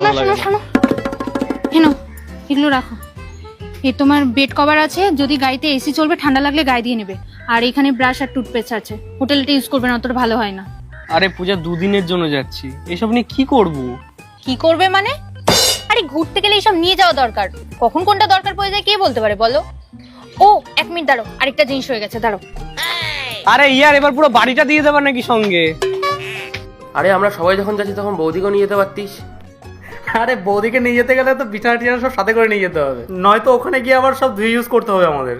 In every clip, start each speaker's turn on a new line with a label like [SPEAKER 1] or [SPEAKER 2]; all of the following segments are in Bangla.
[SPEAKER 1] শোনো শোনো, হেনো এগুলো রাখো। এ তোমার বেড কভার আছে, যদি গাড়িতে এসি চলবে ঠান্ডা লাগলে গায়ে দিয়ে নেবে। আর এখানে ব্রাশ আর টুথপেস্ট আছে, হোটেলটা ইউজ করবে না, অতটা ভালো হয় না।
[SPEAKER 2] আরে পূজা, দুদিনের জন্য যাচ্ছি, এসব নিয়ে কি করব?
[SPEAKER 1] কি করবে মানে? আরে ঘুরতে গেলে এইসব নিয়ে যাওয়া দরকার, কখন কোনটা দরকার পড়ে যায় কে বলতে পারে বলো? ও এক মিনিট দাঁড়াও, আরেকটা জিনিস হয়ে গেছে, দাঁড়াও।
[SPEAKER 2] আরে ইয়ার, এবার পুরো বাড়িটা দিয়ে দেবার নাকি সঙ্গে?
[SPEAKER 3] আরে আমরা সবাই যখন যাচ্ছি তখন বৌদিকেও নিয়ে যেতে পারতিস।
[SPEAKER 4] আরে বৌদিকে নিয়ে যেতে গেলে তো বিছানা টিছানা সব সাথে করে নিয়ে যেতে হবে, নয়তো ওখানে গিয়ে আবার সব ধুয়ে ইউজ করতে হবে আমাদের।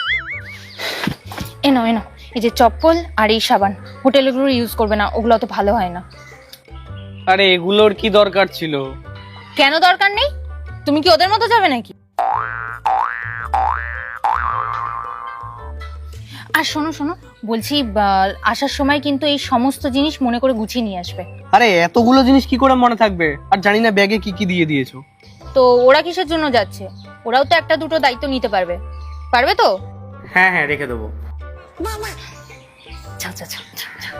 [SPEAKER 1] এনো এনো, এই যে চপ্পল আর এই সাবান, হোটেলগুলো ইউজ করবে না, ওগুলো অত ভালো হয় না।
[SPEAKER 2] আরে এগুলোর কি দরকার ছিল?
[SPEAKER 1] কেন দরকার নেই? তুমি কি ওদের মতো যাবে নাকি? আর শোনো শোনো, বলছি আসার সময় কিন্তু এই সমস্ত জিনিস মনে করে গুছিয়ে নিয়ে আসবে।
[SPEAKER 2] আরে এতগুলো জিনিস কি করে মনে থাকবে? আর জানি না ব্যাগে কি কি দিয়ে দিয়েছো।
[SPEAKER 1] তো ওরা কিসের জন্য যাচ্ছে? ওরাও তো একটা দুটো দায়িত্ব নিতে পারবে, পারবে তো?
[SPEAKER 4] হ্যাঁ হ্যাঁ, রেখে দেবো।
[SPEAKER 1] যাও যাও যাও, যাও, যাও।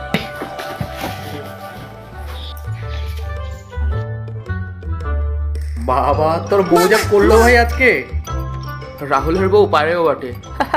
[SPEAKER 4] বাবা, তোর বউ যা করলো ভাই আজকে।
[SPEAKER 3] রাহুলের বউ পারেও বটে।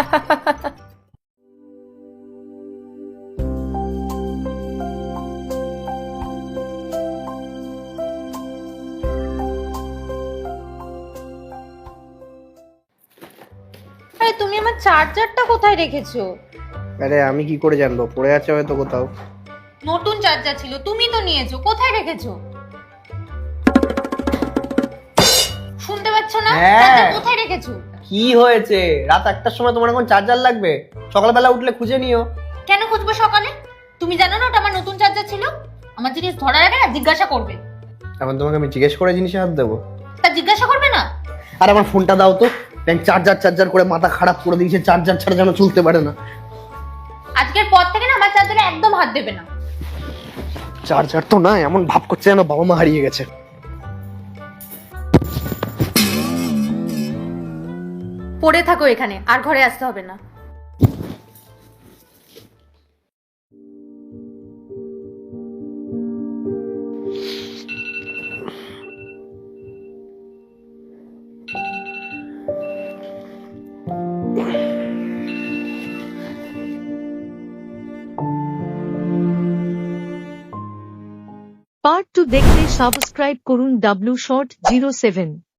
[SPEAKER 1] আরে তুমি আমার চার্জারটা কোথায় রেখেছো?
[SPEAKER 5] আরে আমি কি করে জানবো, পড়ে আছে হয়তো কোথাও।
[SPEAKER 1] নতুন চার্জার ছিল, তুমি তো নিয়েছো, কোথায় রেখেছো? শুনতে পাচ্ছ না?
[SPEAKER 5] হ্যাঁ।
[SPEAKER 1] চার্জার কোথায় রেখেছো?
[SPEAKER 5] কি হয়েছে? রাত 1টার সময় তোমার এখন চার্জার লাগবে? সকালবেলা উঠলে খুঁজে নিও।
[SPEAKER 1] কেন খুঁজবো সকালে? তুমি জানো না ওটা আমার নতুন চার্জার ছিল? আমার জিনিস ধরার আগে না জিজ্ঞাসা করবে।
[SPEAKER 5] এখন তোমাকে আমি জিজ্ঞেস করে জিনিসে হাত দেবো?
[SPEAKER 1] তা জিজ্ঞাসা করবে না?
[SPEAKER 5] আর আমার ফোনটা দাও তো, ব্যাংক চার্জার চার্জার করে মাথা খারাপ করে দিয়েছে, চার্জার ছাড়া যেন চলতে পারে না।
[SPEAKER 1] আজকের পর থেকে না আমার চার্জারে একদম হাত দেবে না।
[SPEAKER 5] চার্জার তো না, এমন ভাব করছে যেন বাবা মা হারিয়ে গেছে।
[SPEAKER 1] পড়ে থাকো এখানে, আর ঘরে আসতে হবে না।
[SPEAKER 6] পার্ট 2 দেখতে সাবস্ক্রাইব করুন W Short 07।